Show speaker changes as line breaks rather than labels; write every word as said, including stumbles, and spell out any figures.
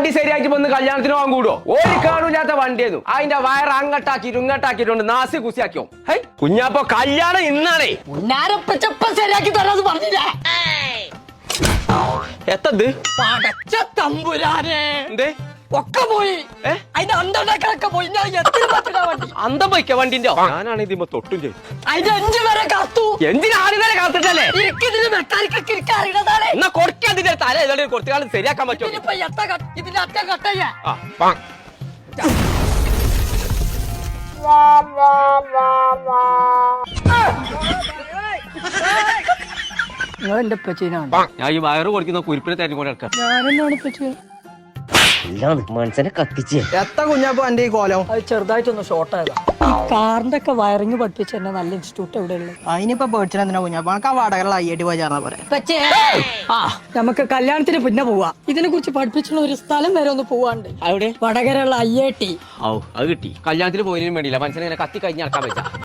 വണ്ടി ശരിയാക്കി വന്ന് കല്യാണത്തിന് പോകാൻ കൂടുവോ? ഒരു കാണൂല്ലാത്ത വണ്ടിയായിരുന്നു. അതിന്റെ വയർ അങ്ങട്ടാക്കിട്ട് ഇങ്ങട്ടാക്കിട്ടുണ്ട് നാസി കുസിയാക്കിയോ. ഹൈ കുഞ്ഞാപ്പോ കല്യാണം ഇന്നാണേ.
ശരിയാക്കി തരാന്ന് പറഞ്ഞില്ലേ?
എത്തത്
പടച്ച തമ്പുരാനെ
എന്തേ
ഒക്കെ പോയി. അതിന്റെ അന്തണ്ടാക്കളൊക്കെ പോയി. ഞാൻ എത്ര പറ്റില്ല വണ്ടി
അന്തം പോയിക്ക വണ്ടിന്റെ. ഞാനാണ് ഇതിമ്പോ തൊട്ടും ചെയ്തു.
അതിന്റെ അഞ്ചു വരെ കാത്തു.
എന്തിനാ ആദ്യം വരെ കാത്തിട്ടല്ലേ?
ഇതിന് മെക്കാനിക്കൊക്കെ എനിക്ക് അറിയണതാണ്.
എന്നാ കൊടുക്കാൻ അതിന്റെ തല ഏതാണ്ട് കുറച്ചു കാലം ശരിയാക്കാൻ പറ്റുമോ?
ഇതിനിപ്പോ എത്ര കട്ട്- ഇതിന്റെ അറ്റ കട്ടയ്യ നിങ്ങൾ എന്റെ പച്ചീനാണ്.
ഞാൻ ഈ വയറ് കൊടുക്കുന്ന കുരിപ്പിനെ തെരഞ്ഞുകൊണ്ട് നടക്കാം.
ഞാനെന്നാണ് പറ്റിയ
മനസ്സിനെ കത്തിച്ച്
എത്ര കുഞ്ഞാപ്പോ എന്റെ ഈ കോലം
അത് ചെറുതായിട്ടൊന്ന് ഷോർട്ട് ആയതാ. ഈ കാറിന്റെ ഒക്കെ വയറിങ് പഠിപ്പിച്ച എന്നെ നല്ല ഇൻസ്റ്റിറ്റ്യൂട്ട് എവിടെയുള്ളത്?
അതിനിപ്പോ പേടിച്ചാൽ എന്തിനാ കുഞ്ഞാപ്പോ എനിക്ക് ആ വാടകയുള്ള ഐ ഐ ടി പോയി ചേർന്നാ പോരെ.
ആ നമുക്ക് കല്യാണത്തിന് പിന്നെ പോവാ. ഇതിനെ കുറിച്ച് പഠിപ്പിച്ചുള്ള ഒരു സ്ഥലം വരെ ഒന്ന് പോവാണ്ട്.
അവിടെ
വടകരയുള്ള ഐ ഐ ടി.
ഔ അത് കിട്ടി. കല്യാണത്തിന് പോയതിനും വേണ്ടിയില്ല മനസ്സിനെ കത്തി കഴിഞ്ഞ് നടക്കാൻ പറ്റാ.